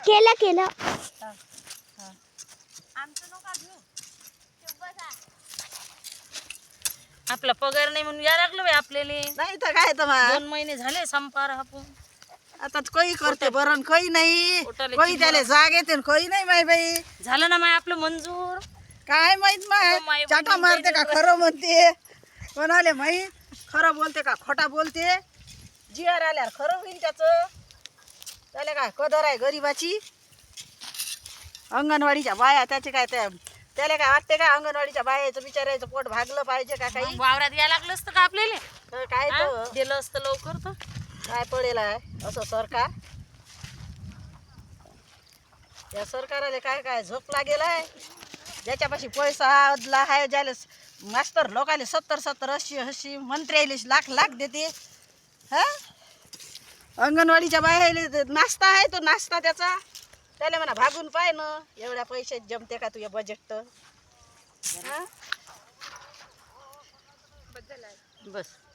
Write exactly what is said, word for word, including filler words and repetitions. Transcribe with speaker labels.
Speaker 1: केलं केलं
Speaker 2: आपला पगार नाही म्हणून या लागलो बाई आपल्याला.
Speaker 3: नाही तर काय तर मग
Speaker 2: दोन महिने झाले संपार आपण.
Speaker 3: आता कोई करते बरं कोई नाही,
Speaker 2: पोटाला
Speaker 3: कोई
Speaker 2: चिमण.
Speaker 3: त्याला जाग येते कोई नाही माय बाई.
Speaker 2: झालं ना माय आपलं मंजूर.
Speaker 3: काय माहित
Speaker 2: अगं
Speaker 3: माय
Speaker 2: माय
Speaker 3: चाटा
Speaker 2: बहिणी
Speaker 3: मारते का
Speaker 2: बहिणी
Speaker 3: खरं म्हणते कोणाले माहित, खरं बोलते का खोटा बोलते. जिआर आल्यावर खरं होईल त्याचं. त्याला काय कदर आहे गरीबाची. अंगणवाडीच्या बाया त्याचे काय त्या त्याला काय वाटते का अंगणवाडीच्या बायाचं बिचारायचं पोट भागलं पाहिजे का काही.
Speaker 2: मग वावरात यायला लागलं असतं का आपल्याला.
Speaker 3: तर काय
Speaker 2: हा?
Speaker 3: तर
Speaker 2: दिलं असतं लवकर तर.
Speaker 3: काय पडेल आहे असं सरकार. या सरकाराला काय काय झोप लागेल आहे. ज्याच्यापाशी पैसा अदला आहे, ज्याला मास्तर लोकाले सत्तर सत्तर अस्सी अस्सी मंत्र्याले लाख लाख देते. हा अंगणवाडीच्या बाहेर नाश्ता आहे, तो नाश्ता त्याचा त्याला म्हणा भागून पाय ना एवढ्या पैशात जमते का तुझ्या बजेट तर. हा
Speaker 2: बस